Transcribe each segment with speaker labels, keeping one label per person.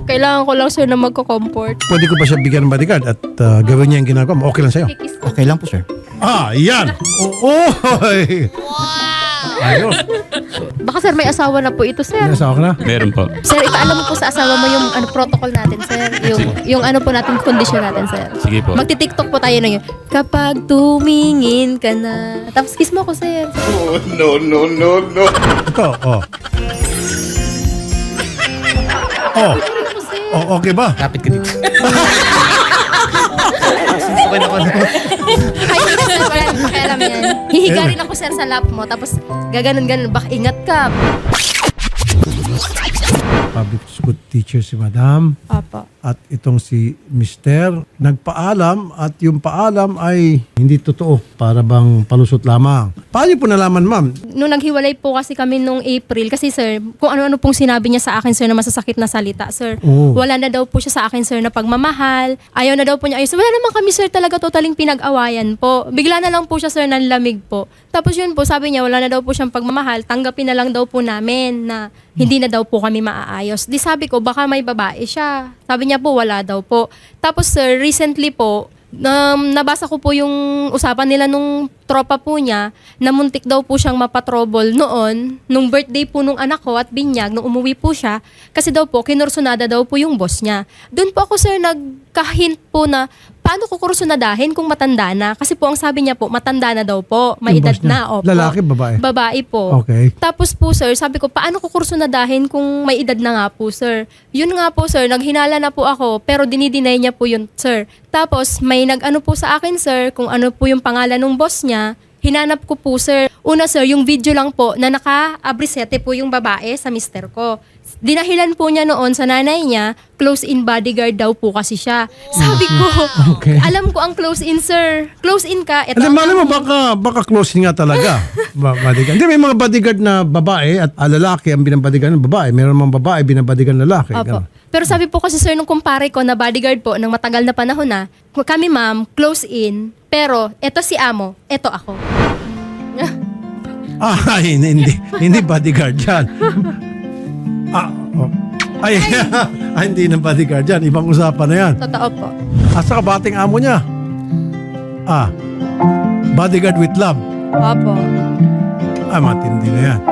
Speaker 1: Kailangan ko lang, sir, na magko-comfort.
Speaker 2: Pwede ko ba siya bigyan ng bodyguard at gawin niya yung ginagawa mo? Okay lang sa'yo?
Speaker 1: Kikis ko.
Speaker 3: Okay lang po, sir.
Speaker 2: Yan! Oy! Ayos.
Speaker 1: Baka, sir, may asawa na po ito, sir.
Speaker 2: Nasawa ka na?
Speaker 4: Meron po.
Speaker 1: Sir, ipaalam mo po sa asawa mo yung protocol natin, sir. Yung ano po natin, condition natin, sir.
Speaker 4: Sige po.
Speaker 1: Magti-tiktok po tayo na yun. Kapag tumingin ka na. Tapos kiss mo ako, sir.
Speaker 2: Ito, oh. Oh,
Speaker 1: Ako, sir.
Speaker 2: okay ba?
Speaker 3: Kapit ka dito. Okay na po.
Speaker 1: Ay, hindi, sir. Wala nang pakialam yan. Hihiga rin ako, sir, sa lap mo. Tapos gaganon-ganon. Baka ingat ka.
Speaker 2: Public school teacher si Madam.
Speaker 1: Opo.
Speaker 2: At itong si Mister nagpaalam at yung paalam ay hindi totoo. Para bang palusot lamang. Paano niyo po nalaman, ma'am?
Speaker 1: Nung naghiwalay po kasi kami nung April, kasi sir, kung ano-ano pong sinabi niya sa akin, sir, na masasakit na salita, sir.
Speaker 2: Oo.
Speaker 1: Wala na daw po siya sa akin, sir, na pagmamahal. Ayaw na daw po niya. Ayos. Wala naman kami, sir, talaga totaling pinag-awayan po. Bigla na lang po siya, sir, nanlamig po. Tapos yun po, sabi niya, wala na daw po siyang pagmamahal. Tanggapin na lang daw po namin na hindi na daw po kami maaayos. Di sabi ko, baka may babae siya. Sabi niya po, wala daw po. Tapos, sir, recently po, nabasa ko po yung usapan nila nung tropa po niya na muntik daw po siyang mapatrobol noon, nung birthday po nung anak ko at binyag, nung umuwi po siya, kasi daw po, kinursunada daw po yung boss niya. Doon po ako, sir, nagkahint po na paano ko kursunadahin kung matanda na? Kasi po ang sabi niya po, matanda na daw po, may
Speaker 2: Yung
Speaker 1: edad
Speaker 2: boss niya.
Speaker 1: na. Opo.
Speaker 2: Lalaki, babae?
Speaker 1: Babae po.
Speaker 2: Okay.
Speaker 1: Tapos po, sir, sabi ko, paano ko kursunadahin kung may edad na nga po, sir? Yun nga po, sir, naghinala na po ako, pero dinideny niya po yun, sir. Tapos, may nag-ano po sa akin, sir, kung ano po yung pangalan ng boss niya. Hinanap ko po, sir. Una, sir, yung video lang po na naka-abrisete po yung babae sa mister ko. Dinahilan po niya noon sa nanay niya, close-in bodyguard daw po kasi siya. Sabi ko,
Speaker 2: Okay.
Speaker 1: alam ko ang close-in, sir. Close-in ka. Ito
Speaker 2: Hindi,
Speaker 1: ang
Speaker 2: mali mo, baka closing nga talaga. Bodyguard. Hindi, may mga bodyguard na babae at lalaki ang binabodyguard ng babae. Meron mga babae binabodyguard ng lalaki.
Speaker 1: Opo.
Speaker 2: Ganun.
Speaker 1: Pero sabi po kasi, sir, nung kumpare ko na bodyguard po ng matagal na panahon na, kami ma'am, close in, pero eto si amo, eto ako.
Speaker 2: Hindi bodyguard yan. Ay, hindi ng bodyguard yan. Ibang usapan na yan.
Speaker 1: Totoo po.
Speaker 2: Asa ka bating amo niya? Bodyguard with love.
Speaker 1: Opo.
Speaker 2: Matindi na yan.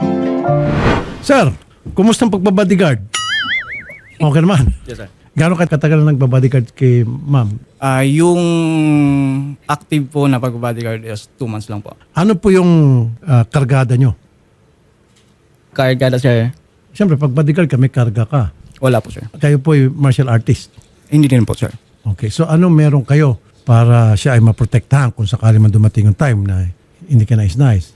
Speaker 2: Sir, kumusta ang pagbabodyguard? Okay naman.
Speaker 3: Yes, sir.
Speaker 2: Gano'n kayo katagal na nagbabodyguard kay ma'am?
Speaker 3: Yung active po na pag-bodyguard is 2 months lang po.
Speaker 2: Ano po yung kargada nyo?
Speaker 3: Kargada, sir.
Speaker 2: Siyempre, pag bodyguard ka, may karga ka.
Speaker 3: Wala po, sir.
Speaker 2: Kayo po yung martial artist.
Speaker 3: Hindi din po, sir.
Speaker 2: Okay, so ano meron kayo para siya ay maprotektahan kung sakali man dumating ang time na hindi ka nice?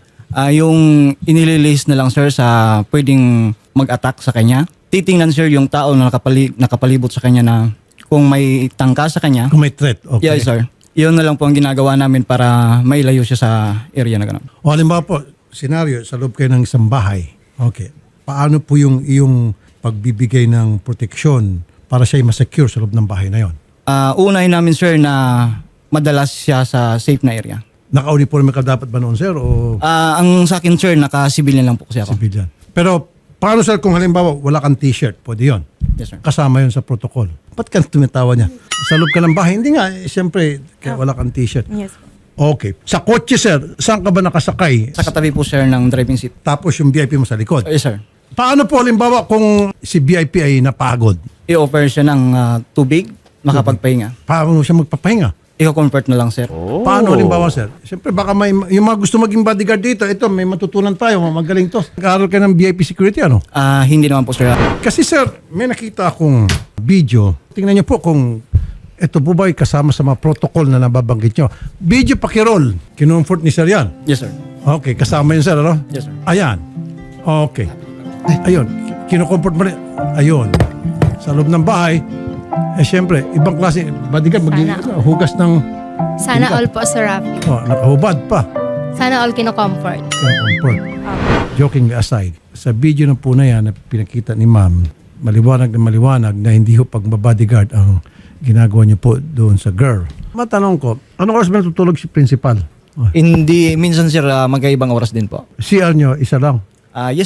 Speaker 3: Yung inililis na lang, sir, sa pwedeng mag-attack sa kanya. Titingnan, sir, yung tao na nakapalibot sa kanya na kung may tangka sa kanya.
Speaker 2: Kung may threat, okay.
Speaker 3: Yes, sir. Yun na lang po ang ginagawa namin para mailayo siya sa area na gano'n.
Speaker 2: O halimbawa po, senaryo, sa loob kayo ng isang bahay. Okay. Paano po yung iyong pagbibigay ng proteksyon para siya ay masecure sa loob ng bahay na yon?
Speaker 3: Unahin namin, sir, na madalas siya sa safe na area.
Speaker 2: Naka-uniforme ka dapat ba noon, sir? O
Speaker 3: Ang sa akin, sir, naka-civilian lang po kasi ako.
Speaker 2: civilian? Pero paano, sir, kung halimbawa wala kang t-shirt? Pwede yun.
Speaker 3: Yes, sir.
Speaker 2: Kasama yun sa protocol. Ba't ka tumitawa niya? Sa loob ka ng bahay? Hindi nga. Siyempre, kaya wala kang t-shirt.
Speaker 1: Yes.
Speaker 2: Okay. Sa kotse, sir, saan ka ba nakasakay?
Speaker 3: Sa katabi po, sir, ng driving seat.
Speaker 2: Tapos yung VIP mo sa likod.
Speaker 3: Yes, sir.
Speaker 2: Paano po halimbawa kung si VIP ay napagod?
Speaker 3: I-offer siya ng tubig, makapagpahinga.
Speaker 2: Paano siya magpapahinga?
Speaker 3: I-convert na lang, sir.
Speaker 2: Paano halimbawa, sir? Siyempre, baka may, yung mga gusto maging bodyguard dito, ito, may matutunan tayo, magaling to. Nag-aaral ka ng VIP security, ano?
Speaker 3: Hindi naman po, sir.
Speaker 2: Kasi, sir, may nakita akong video. Tingnan niyo po kung ito po ba ay kasama sa mga protocol na nababanggit niyo. Video pakirol. Kinumfort ni sir yan.
Speaker 3: Yes, sir.
Speaker 2: Okay, kasama yun, sir, ano?
Speaker 3: Yes, sir.
Speaker 2: Ayan. Okay. Ayun. Kinukomfort mo rin. Ayun. Sa loob ng bahay, siyempre, ibang klase, bodyguard, hugas ng,
Speaker 1: Sana all po, Sir Rafi.
Speaker 2: nakahubad pa.
Speaker 1: Sana all kino-comfort.
Speaker 2: Kinukomfort. Jokingly aside, sa video na po na yan na pinakita ni ma'am, maliwanag na hindi ho pagbabodyguard ang ginagawa niyo po doon sa girl. Matanong ko, anong oras ba natutulog si principal?
Speaker 3: Hindi, minsan, sir, magkaibang oras din po.
Speaker 2: CR niyo, isa lang.
Speaker 3: Yes, sir.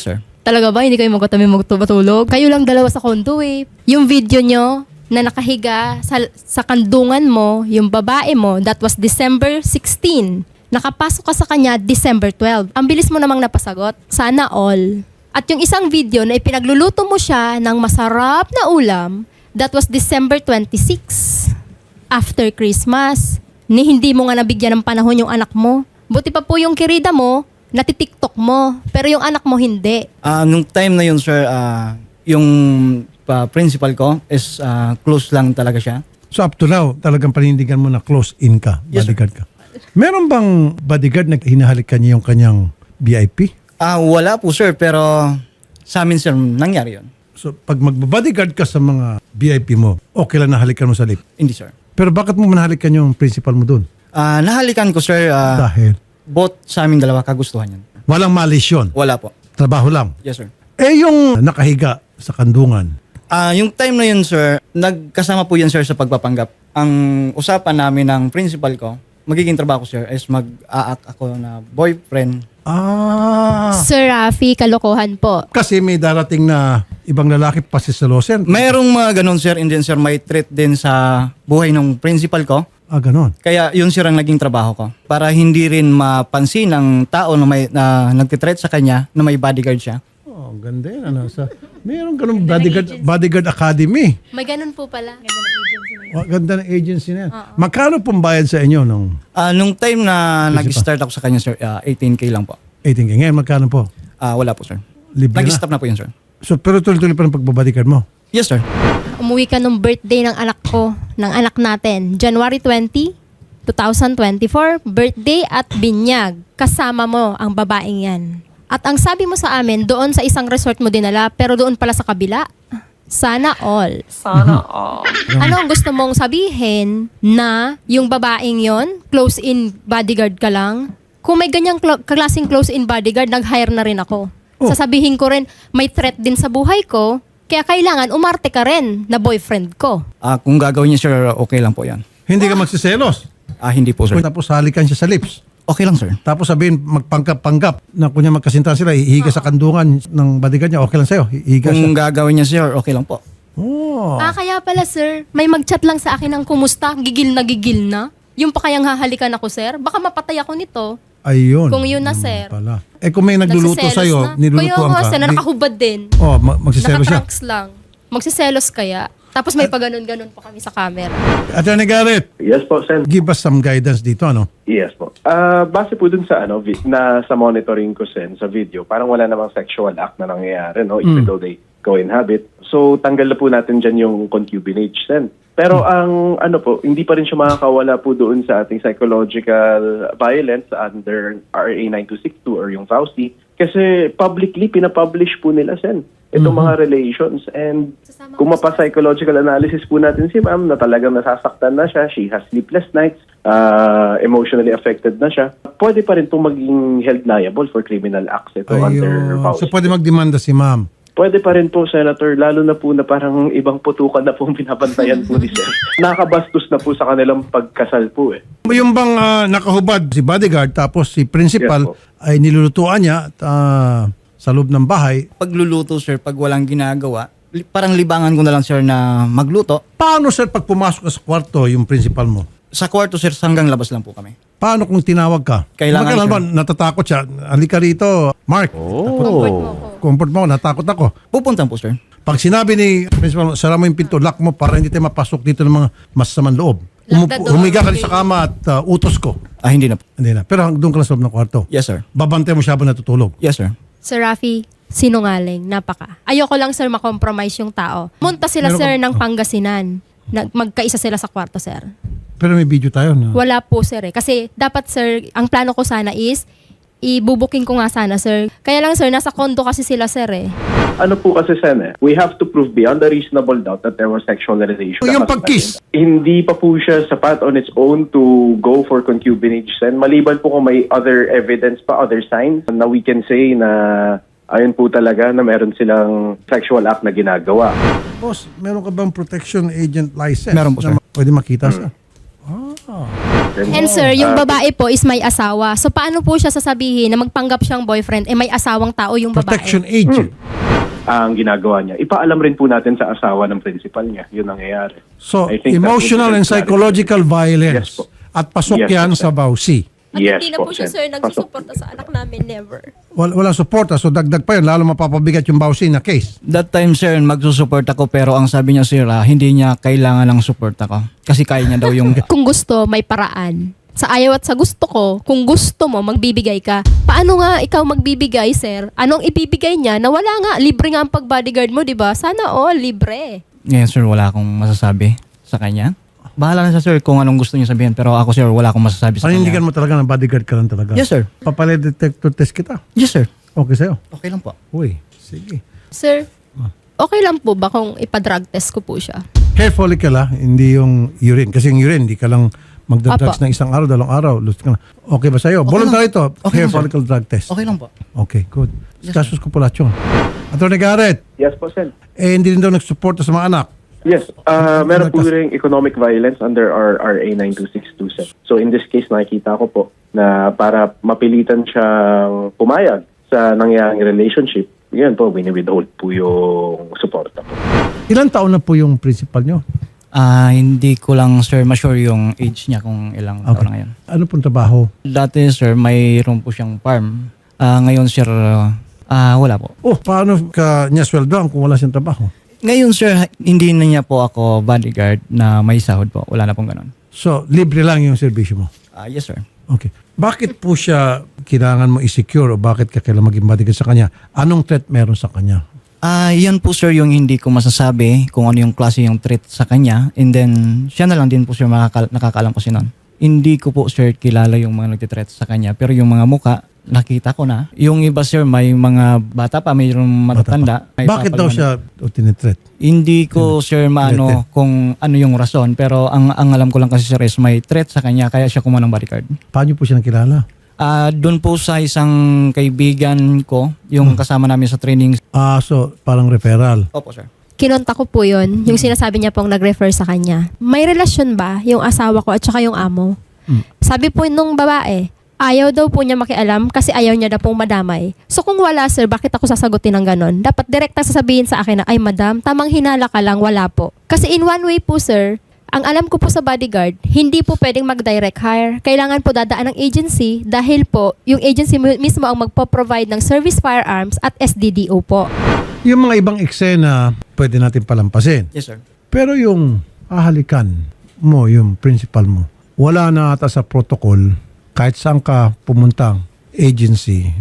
Speaker 1: Talaga ba? Hindi kayo magtulog? Kayo lang dalawa sa condo eh. Yung video nyo na nakahiga sa kandungan mo, yung babae mo, that was December 16. Nakapasok ka sa kanya December 12. Ang bilis mo namang napasagot. Sana all. At yung isang video na ipinagluluto mo siya ng masarap na ulam, that was December 26. After Christmas. Ni hindi mo nga nabigyan ng panahon yung anak mo. Buti pa po yung kirida mo, natitiktok mo. Pero yung anak mo hindi.
Speaker 3: Nung time na yun, sir, yung principal ko is close lang talaga siya.
Speaker 2: So up to now, talagang panindigan mo na close-in ka,
Speaker 3: Yes, sir.
Speaker 2: bodyguard ka. Meron bang bodyguard na hinahalik ka niya yung kanyang VIP?
Speaker 3: Wala po, sir, pero sa amin, sir, nangyari yun.
Speaker 2: So pag magbabodyguard ka sa mga VIP mo, okay lang nahalikan mo sa lip.
Speaker 3: Hindi, sir.
Speaker 2: Pero bakit mo manahalikan yung principal mo doon?
Speaker 3: Nahalikan ko, sir,
Speaker 2: Dahil
Speaker 3: both sa aming dalawa kagustuhan yan.
Speaker 2: walang malisyon.
Speaker 3: Wala po.
Speaker 2: Trabaho lang.
Speaker 3: Yes, sir.
Speaker 2: Eh yung nakahiga sa kandungan,
Speaker 3: Yung time na yun, sir, nagkasama po yan, sir, sa pagpapanggap. Ang usapan namin ng principal ko, magiging trabaho ko, sir, is mag-a-act ako na boyfriend.
Speaker 1: Sir Rafi, kalokohan po.
Speaker 2: Kasi may darating na ibang lalaki pasisalosin.
Speaker 3: Mayroong mga ganun, sir, and then, sir, may threat din sa buhay ng principal ko.
Speaker 2: Ganon.
Speaker 3: Kaya yun, sir, ang naging trabaho ko. Para hindi rin mapansin ng tao na nagtitreat sa kanya na may bodyguard siya.
Speaker 2: Oh, ganda yun. Mayroong ganun bodyguard academy.
Speaker 1: May ganun po pala.
Speaker 2: Ganda ng agency na yan. Magkano pong bayad sa inyo nung
Speaker 3: Nung time na nag-start ako sa kanya, sir, 18K lang po.
Speaker 2: 18K? Ngayon, magkano po?
Speaker 3: Wala po, sir.
Speaker 2: Libre na?
Speaker 3: Nag-stop na po yun, sir.
Speaker 2: So, pero tuloy-tuloy pa ng pagbabodyguard mo?
Speaker 3: Yes, sir.
Speaker 1: Umuwi ka nung birthday ng anak ko, ng anak natin. January 20, 2024, birthday at binyag. Kasama mo ang babaeng yan. At ang sabi mo sa amin, doon sa isang resort mo dinala, pero doon pala sa kabila. Sana all.
Speaker 4: Sana all.
Speaker 1: Ano ang gusto mong sabihin na yung babaeng yon, close-in bodyguard ka lang? Kung may ganyang klaseng close-in bodyguard, nag-hire na rin ako.
Speaker 2: Oh.
Speaker 1: Sasabihin ko rin, may threat din sa buhay ko, kaya kailangan umarte ka rin na boyfriend ko.
Speaker 3: Kung gagawin niya, sir, okay lang po yan.
Speaker 2: Hindi ka magsiselos.
Speaker 3: Hindi po, sir.
Speaker 2: Tapos halikan siya sa lips.
Speaker 3: Okay lang, sir.
Speaker 2: Tapos sabihin, magpanggap-panggap na kunya magkasintahan sila, ihiga sa kandungan ng bodyguard niya, okay lang sa'yo. Ihiga siya.
Speaker 3: Kung gagawin niya, sir, okay lang po.
Speaker 2: Oh.
Speaker 1: Kaya pala sir, may mag-chat lang sa akin ng kumusta, gigil na. Yung pa kayang hahalikan ako sir, baka mapatay ako nito.
Speaker 2: Ayun.
Speaker 1: Kung yun na,
Speaker 2: Naman
Speaker 1: sir.
Speaker 2: Pala. Eh kung may nagluluto
Speaker 1: Nagsiselos
Speaker 2: sa'yo,
Speaker 1: na.
Speaker 2: nilulutuan
Speaker 1: Kaya nga
Speaker 2: ka.
Speaker 1: sir, na nakahubad din.
Speaker 2: Magsiselos siya.
Speaker 1: Nakatrunks lang. Magsiselos kaya. Tapos may paganon-ganon pa kami sa camera.
Speaker 2: Attorney Garrett,
Speaker 5: Yes po, Sen.
Speaker 2: give us some guidance dito, ano?
Speaker 5: Yes po. Base po dun sa sa monitoring ko, Sen, sa video, parang wala namang sexual act na nangyayari, no? Even though they co-inhabit. So, tanggal na po natin dyan yung concubinage, Sen. Pero ang hindi pa rin siya makakawala po doon sa ating psychological violence under RA 9262 or yung FAUSTI. Kasi publicly, pinapublish po nila, Sen, itong mga relations. And kung mapa-psychological analysis po natin si ma'am na talagang nasasaktan na siya, she has sleepless nights, emotionally affected na siya, pwede pa rin itong maging held liable for criminal acts ito under
Speaker 2: Ayun.
Speaker 5: FAUSTI.
Speaker 2: So pwede magdemanda si ma'am.
Speaker 5: Pwede pa rin po, Senator, lalo na po na parang ibang putukan na po binabantayan po ni Sir. Nakakabastos na po sa kanilang pagkasal po eh.
Speaker 2: Yung bang nakahubad si bodyguard tapos si principal
Speaker 5: Yes po.
Speaker 2: ay nilulutuan niya at, sa loob ng bahay,
Speaker 3: Pagluluto, sir, pag walang ginagawa, parang libangan ko na lang, sir, na magluto.
Speaker 2: paano sir pag pumasok ka sa kwarto yung principal mo?
Speaker 3: Sa kwarto, sir, hanggang labas lang po kami.
Speaker 2: Paano kung tinawag ka?
Speaker 3: Kailangan,
Speaker 2: ba, natatakot siya? Halika rito, Mark.
Speaker 1: Comfort mo ako.
Speaker 2: Comfort mo, natakot ako.
Speaker 3: Pupuntan po, sir.
Speaker 2: Pag sinabi ni principal, sara mo yung pinto, lock mo para hindi tayo mapasok dito ng mga masasamang loob.
Speaker 1: Lock the door.
Speaker 2: Humiga ka rin sa kama at utos ko.
Speaker 3: Hindi na po.
Speaker 2: Hindi na. Pero doon ka lang sa loob ng kwarto.
Speaker 3: Yes, sir.
Speaker 2: Babantay mo siya habang natutulog.
Speaker 3: Yes, sir.
Speaker 1: Sir Rafi, sinungaling, napaka. Ayoko lang sir makompromise yung tao. Munta sila
Speaker 2: Meron
Speaker 1: sir
Speaker 2: ka-
Speaker 1: ng Pangasinan. Magkaisa sila sa kwarto sir.
Speaker 2: Pero may video tayo na.
Speaker 1: Wala po sir eh. Kasi dapat sir, ang plano ko sana is, ibubuking ko nga sana sir. Kaya lang sir, nasa condo kasi sila sir eh.
Speaker 5: Ano po kasi, Sen, we have to prove beyond a reasonable doubt that there was sexual relation.
Speaker 2: Yung pag-kiss.
Speaker 5: Hindi pa po siya sapat on its own to go for concubinage, Sen. Maliban po kung may other evidence pa, other signs na we can say na ayun po talaga na meron silang sexual act na ginagawa.
Speaker 2: Boss, meron ka bang protection agent license?
Speaker 3: Meron po, sir.
Speaker 2: Na pwede makita sa.
Speaker 5: natin.
Speaker 1: And sir, yung
Speaker 5: Ah,
Speaker 1: babae po is may asawa. So paano po siya sasabihin na magpanggap siyang boyfriend, may asawang tao yung babae?
Speaker 2: Protection agent.
Speaker 5: ang ginagawa niya. Ipaalam rin po natin sa asawa ng principal niya. Yun ang nangyayari.
Speaker 2: So,
Speaker 5: I think that
Speaker 2: emotional
Speaker 5: would be
Speaker 2: and psychological
Speaker 5: Yes
Speaker 2: violence.
Speaker 5: po.
Speaker 2: At pasok
Speaker 5: Yes
Speaker 2: yan
Speaker 5: po,
Speaker 2: sa Bausi.
Speaker 1: At
Speaker 5: Yes
Speaker 1: hindi na po siya,
Speaker 5: Sen.
Speaker 1: sir,
Speaker 5: Pasok.
Speaker 1: nagsusuporta sa anak namin, never.
Speaker 2: Walang suporta, so dagdag pa yun, lalo mapapabigat yung Bausi na case.
Speaker 3: That time, sir, magsusupport ako pero ang sabi niya, sir, hindi niya kailangan ng support ako. Kasi kaya niya daw yung...
Speaker 1: Kung gusto, may paraan. Sa ayaw at sa gusto ko, kung gusto mo, magbibigay ka. Paano nga ikaw magbibigay, sir? Anong ibibigay niya na wala nga, libre nga ang pag-bodyguard mo, di ba? Sana all, libre.
Speaker 3: Ngayon, sir, wala akong masasabi sa kanya. Bahala na siya, sir, kung anong gusto niya sabihin. Pero ako, sir, wala akong masasabi sa
Speaker 2: Panindigan
Speaker 3: kanya.
Speaker 2: mo talaga na bodyguard ka lang talaga.
Speaker 3: Yes, sir.
Speaker 2: Papalay detector test kita.
Speaker 3: Yes, sir.
Speaker 2: Okay sa'yo.
Speaker 3: Okay lang po.
Speaker 2: Uy, sige.
Speaker 1: Sir, okay lang po ba kung ipa-drug test ko po siya?
Speaker 2: Hair follicle hindi yung urine. Kasi yung urine, hindi ka lang magdadrugs
Speaker 1: Apa.
Speaker 2: ng isang araw, 2 araw. Lust ka na. Okay ba sa'yo?
Speaker 3: Okay
Speaker 2: Voluntary
Speaker 3: lang.
Speaker 2: to.
Speaker 3: Okay
Speaker 2: Hair
Speaker 3: lang, sir.
Speaker 2: follicle drug test.
Speaker 3: Okay lang po.
Speaker 2: Okay, good.
Speaker 3: Yes,
Speaker 2: Kasus ko pala yun. Attorney Garrett,
Speaker 5: Yes po, Sen.
Speaker 2: hindi rin daw nagsuporta sa mga anak.
Speaker 5: Yes, meron po rin economic violence under our RA 9262. So in this case, nakikita ko po na para mapilitan siyang pumayag sa nangyaring relationship, yun po, wini-withhold po yung suporta po.
Speaker 2: Ilan taon na po yung principal nyo?
Speaker 3: Hindi ko lang, sir, ma-sure yung age niya kung ilang taon na ngayon.
Speaker 2: Ano pong trabaho?
Speaker 3: Dati, sir, mayroon po siyang farm. Ngayon, sir, wala po.
Speaker 2: Oh, paano ka niya sweldoan kung wala siyang trabaho?
Speaker 3: Ngayon, sir, hindi na niya po ako bodyguard na may sahod po. Wala na pong ganun.
Speaker 2: So, libre lang yung servisyo mo?
Speaker 3: Yes, sir.
Speaker 2: Okay. Bakit po siya kailangan mo i-secure o bakit ka kailangan maging bodyguard sa kanya? Anong threat meron sa kanya?
Speaker 3: Yan po, sir, yung hindi ko masasabi kung ano yung klase yung treat sa kanya. And then, siya na lang din po, sir, nakakaalam ko siya nun. Hindi ko po, sir, kilala yung mga nagtitreat sa kanya. Pero yung mga muka, nakita ko na. Yung iba, sir, may mga bata pa, mayroong matatanda. May
Speaker 2: Bakit daw siya tinitreat?
Speaker 3: Hindi ko, sir, maano kung ano yung rason. Pero ang alam ko lang kasi, sir, is may threat sa kanya, kaya siya kumuha ng bodyguard.
Speaker 2: Paano po siya nakilala?
Speaker 3: Doon po sa isang kaibigan ko, yung kasama namin sa training.
Speaker 2: So parang referral.
Speaker 3: Opo, sir.
Speaker 1: Kinonta ko po yun, yung sinasabi niya pong nag-refer sa kanya. May relasyon ba yung asawa ko at saka yung amo? Sabi po nung babae, ayaw daw po niya makialam kasi ayaw niya daw pong madamay. So kung wala, sir, bakit ako sasagutin ng ganon? Dapat direkta sasabihin sa akin na, ay madam, tamang hinala ka lang, wala po. Kasi in one way po, sir, ang alam ko po sa bodyguard, hindi po pwedeng mag-direct hire. Kailangan po dadaan ng agency dahil po yung agency mismo ang magpo-provide ng service firearms at SDDO po.
Speaker 2: Yung mga ibang eksena, pwede natin palampasin.
Speaker 3: Yes, sir.
Speaker 2: Pero yung ahalikan mo, yung principal mo, wala na ata sa protocol kahit saan ka pumuntang agency,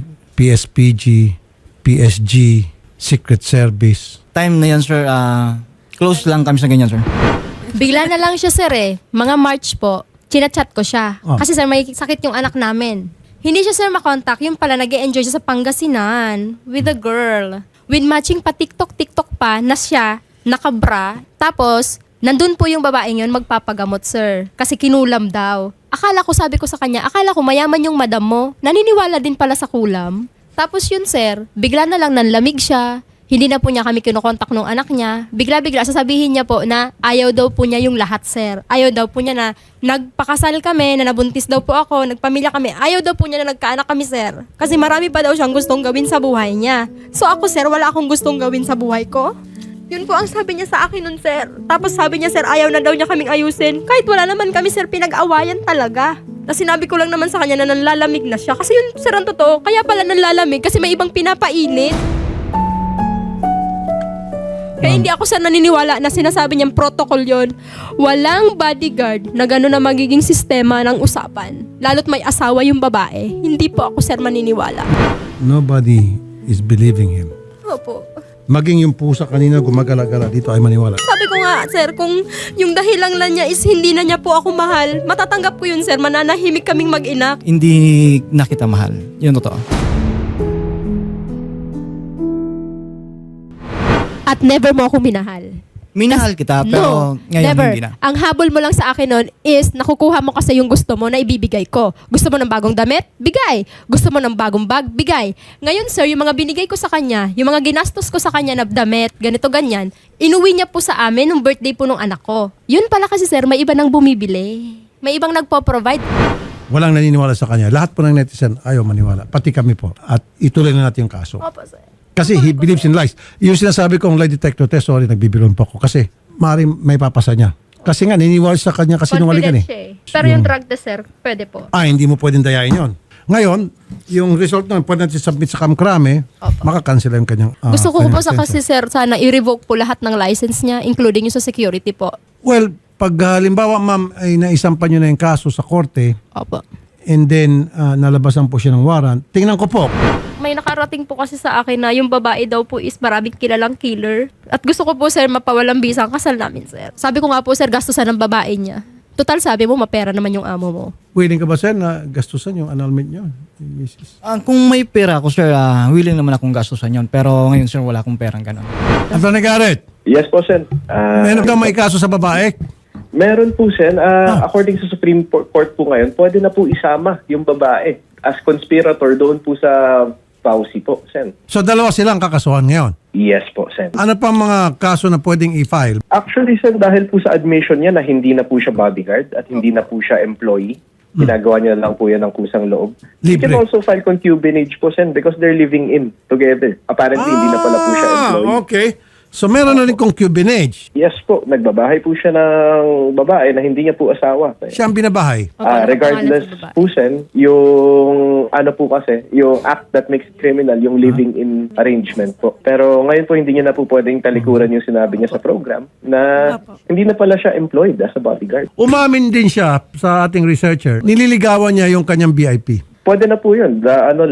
Speaker 2: PSPG, PSG, Secret Service.
Speaker 3: Time na yan, sir, close lang kami sa ganyan, sir.
Speaker 1: Bigla na lang siya, sir, eh. Mga March po, chinachat ko siya.
Speaker 2: Oh.
Speaker 1: Kasi, sir, may sakit yung anak namin. Hindi siya, sir, makontak. Yung pala, nag-e-enjoy siya sa Pangasinan with a girl. With matching pa TikTok pa na siya, nakabra. Tapos, nandun po yung babaeng yun magpapagamot, sir. Kasi kinulam daw. Akala ko, sabi ko sa kanya, akala ko mayaman yung madam mo. Naniniwala din pala sa kulam. Tapos yun, sir, bigla na lang nanlamig siya. Hindi na po niya kami kinukontak nung anak niya. Bigla-bigla sasabihin niya po na ayaw daw po niya yung lahat, sir. Ayaw daw po niya na nagpakasal kami, na nabuntis daw po ako, nagpamilya kami. Ayaw daw po niya na nagkaanak kami, sir. Kasi marami pa daw siyang gustong gawin sa buhay niya. So ako, sir, wala akong gustong gawin sa buhay ko. Yun po ang sabi niya sa akin nun, sir. Tapos sabi niya, sir, ayaw na daw niya kaming ayusin. Kahit wala naman kami, sir, pinag-awayan talaga. Tapos sinabi ko lang naman sa kanya na nanlalamig na siya. Kasi yun, sir, ang totoo. Kaya pala nanlalamig kasi may ibang pinapainit. Kaya hindi ako, sir, naniniwala na sinasabi niyang protocol yon. Walang bodyguard na gano'n na magiging sistema ng usapan. Lalo't may asawa yung babae. Hindi po ako, sir, maniniwala.
Speaker 2: Nobody is believing him.
Speaker 1: Opo.
Speaker 2: Maging yung pusa kanina gumagala-gala dito ay maniwala.
Speaker 1: Sabi ko nga, sir, kung yung dahilan lang niya is hindi na niya po ako mahal, matatanggap ko yun, sir. Mananahimik kaming mag-ina.
Speaker 3: Hindi na kita mahal. Yun totoo.
Speaker 1: At never mo ako minahal.
Speaker 3: Minahal kita, pero ngayon
Speaker 1: never.
Speaker 3: hindi na.
Speaker 1: Ang habol mo lang sa akin nun is nakukuha mo kasi yung gusto mo na ibibigay ko. Gusto mo ng bagong damit? Bigay. Gusto mo ng bagong bag? Bigay. Ngayon, sir, yung mga binigay ko sa kanya, yung mga ginastos ko sa kanya na damit, ganito, ganyan, inuwi niya po sa amin nung birthday po nung anak ko. Yun pala kasi, sir, may iba nang bumibili. May ibang nagpo-provide.
Speaker 2: Walang naniniwala sa kanya. Lahat po ng netizen ayaw maniwala. Pati kami po. At ituloy na natin yung kaso.
Speaker 1: Opo, sir.
Speaker 2: Kasi he believes in lies. Yung sinasabi kong lie detector test, sorry, nagbibilon po ako. Kasi maaaring may papasa niya. Kasi nga, naniniwala sa kanya kasi nungalingan
Speaker 1: Confident siya eh. Pero yung drug test, sir, pwede po.
Speaker 2: hindi mo pwedeng dayain yon. Ngayon, yung result nun, pwede natin submit sa kamkrame, makakancel yung kanyang
Speaker 1: Gusto ko po sa
Speaker 2: kanyang
Speaker 1: kasi, sir, sana i-revoke po lahat ng license niya, including yung sa security po.
Speaker 2: Well, pag halimbawa ma'am ay naisampan nyo na yung kaso sa korte
Speaker 1: Opo.
Speaker 2: and then nalabasan po siya ng warrant, tingnan ko po.
Speaker 1: May nakarating po kasi sa akin na yung babae daw po is maraming kilalang killer. At gusto ko po, sir, mapawalang bisa ang kasal namin, sir. Sabi ko nga po, sir, gastusan ng babae niya. Total, sabi mo, mapera naman yung amo mo.
Speaker 2: Willing ka ba sir na gastusan yung annulment nyo? Mrs.
Speaker 3: Kung may pera ako, sir, willing naman akong gastusan yun. Pero ngayon, sir, wala akong perang ganun.
Speaker 2: Attorney Garrett,
Speaker 5: Yes po, Sen.
Speaker 2: meron ka may kaso sa babae?
Speaker 5: Meron po, Sen. According sa Supreme Court po ngayon, pwede na po isama yung babae as conspirator doon po sa Pausi po, Sen.
Speaker 2: So dalawa silang kakasuhan ngayon.
Speaker 5: Yes po, Sen.
Speaker 2: Ano pa mga kaso na pwedeng i-file?
Speaker 5: Actually, Sen, dahil po sa admission niya na hindi na po siya bodyguard at hindi na po siya employee, ginagawa niya lang po yan ng kusang loob. You
Speaker 2: Libre.
Speaker 5: can also file concubinage po, Sen, because they're living in together. Apparently, hindi na pala po siya employee.
Speaker 2: Okay. So meron na rin concubinage.
Speaker 5: Yes po, nagbabahay po siya ng babae na hindi niya po asawa.
Speaker 2: Siya ang binabahay.
Speaker 1: Opo, ano
Speaker 5: Regardless
Speaker 1: pangalan sa babae?
Speaker 5: po, Sen, yung ano po kasi, yung act that makes it criminal, yung living in arrangement po. Pero ngayon po, hindi niya na po pwedeng talikuran yung sinabi niya sa program na hindi na pala siya employed as a bodyguard.
Speaker 2: Umamin din siya sa ating researcher. Nililigawan niya yung kanyang VIP.
Speaker 5: Pwede na po yun.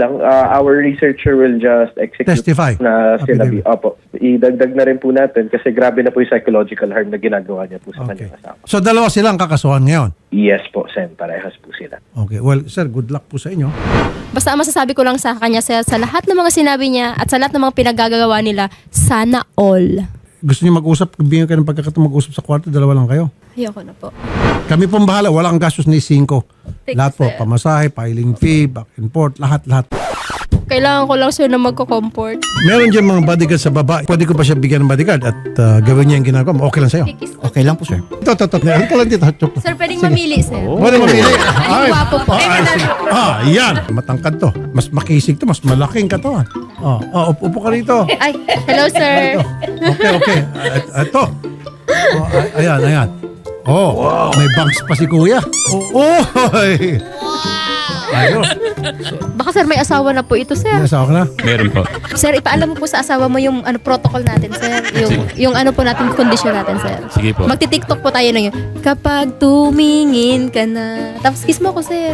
Speaker 5: Our researcher will just execute
Speaker 2: Testify.
Speaker 5: na sinabi.
Speaker 2: Affidavit.
Speaker 5: Opo. Idagdag na rin po natin kasi grabe na po yung psychological harm na ginagawa niya po sa
Speaker 2: Okay.
Speaker 5: kanyang asawa.
Speaker 2: So dalawa silang kakasuhan ngayon.
Speaker 5: Yes po, Sen. Parehas po sila.
Speaker 2: Okay. Well, sir, good luck po sa inyo.
Speaker 1: Basta ang masasabi ko lang sa kanya, sir, sa lahat ng mga sinabi niya at sa lahat ng mga pinagagawa nila, sana all.
Speaker 2: Gusto niyo mag-usap? Bigyan kayo ng pagkakataon mag-usap sa kwarto, dalawa lang kayo.
Speaker 1: Ayoko na po.
Speaker 2: Kami pong bahala, wala kang gastos ni 5.
Speaker 1: Thank
Speaker 2: Lahat
Speaker 1: you,
Speaker 2: po,
Speaker 1: sir.
Speaker 2: pamasahe, filing fee, back and forth, lahat.
Speaker 1: Kailangan ko lang, sir, na magko-comfort.
Speaker 2: Meron dyan mga bodyguard sa babae. Pwede ko pa siya bigyan ng bodyguard at gawin niya yung ginagawa mo. Okay lang sa'yo.
Speaker 1: Kikis.
Speaker 3: Okay lang po, sir.
Speaker 2: Ito. Halika lang dito.
Speaker 1: Sir, pwedeng mamili, sir.
Speaker 2: Pwede mamili.
Speaker 1: Ay, gwapo po.
Speaker 2: Yan. Matangkad to. Mas makisig to. Mas malaking katawan. Upo ka rito.
Speaker 1: Ay, hello, sir.
Speaker 2: Okay. Ito. Ayan. May bags pa si kuya. Ayun.
Speaker 1: Baka, sir, may asawa na po ito, sir.
Speaker 2: Nasa ka na?
Speaker 4: Meron po.
Speaker 1: Sir, ipaalam mo po sa asawa mo yung protocol natin, sir. Yung ano po natin, condition natin, sir.
Speaker 4: Sige po.
Speaker 1: Magti-TikTok po tayo na yun. Kapag tumingin ka na. Tapos kiss mo ko, sir.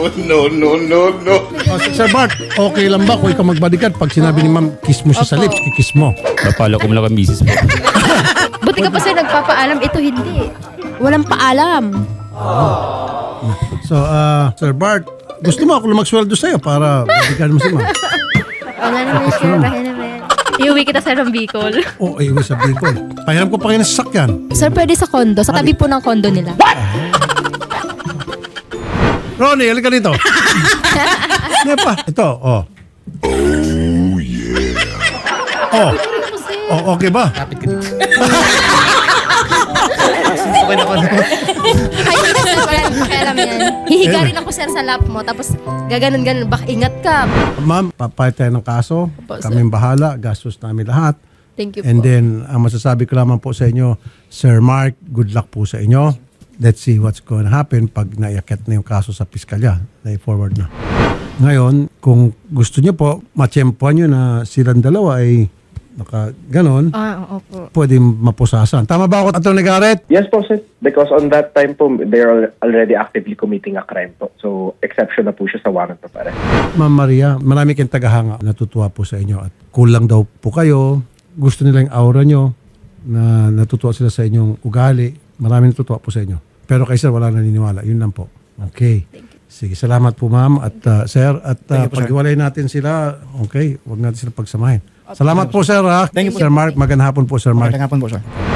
Speaker 2: Sir Bart, okay lang ba kung ikaw mag-bodyguard? Pag sinabi ni ma'am, kiss mo siya sa
Speaker 1: Opo.
Speaker 2: lips, kikiss mo.
Speaker 4: Napalo ko mula kang misis po.
Speaker 1: Buti ka pa, sir, nagpapaalam. Ito hindi. Walang paalam.
Speaker 2: So, Sir Bart, gusto mo ako magsweldo sa'yo para bodyguard mo si ma'am?
Speaker 1: O nga naman, sir. Kaya naman. Iuwi kita, sir, ng Bicol.
Speaker 2: Iwi sa Bicol. Pahiram ko pa kayo ng sasakyan.
Speaker 1: Sir, pwede sa condo. Sa tabi po ng condo nila.
Speaker 2: Ronnie, halika dito. Ano pa? Ito, Oh, okay ba?
Speaker 3: Kapit ka dito.
Speaker 1: Ay, sir, wala nang pakialam yan. Hihiga rin ako, sir, sa lap mo. Tapos, gaganon-ganon. Baka ingat ka.
Speaker 2: Ma'am, papayat tayo ng kaso.
Speaker 1: Opo, sir.
Speaker 2: Kaming bahala. Gastos namin lahat.
Speaker 1: Thank you
Speaker 2: And
Speaker 1: po.
Speaker 2: then, ang masasabi ko lamang po sa inyo, Sir Mark, good luck po sa inyo. Let's see what's going to happen pag naiakit na yung kaso sa piskalya. Na-forward na. Ngayon, kung gusto niyo po, matsyempohan nyo na silang dalawa ay ganon,
Speaker 1: Opo.
Speaker 2: pwede mapusasan. Tama ba ako, Atty. Garrett?
Speaker 5: Yes po, sir. Because on that time po, they're already actively committing a crime po. So, exception na po siya sa warrant po pare.
Speaker 2: Ma'am Maria, marami kayong tagahanga. Natutuwa po sa inyo at kulang daw po kayo. Gusto nila yung aura nyo na natutuwa sila sa inyong ugali. Marami natutuwa po sa inyo. Pero kay sir, wala naniniwala. Yun lang po. Okay. Sige, salamat po ma'am at sir. At
Speaker 3: Thank you po, sir.
Speaker 2: paghiwalay natin sila, okay, huwag natin sila pagsamahin. Salamat po sir ha.
Speaker 3: Thank you po.
Speaker 2: Sir Mark, magandang hapon po Sir Mark.
Speaker 3: Magandang hapon po, sir.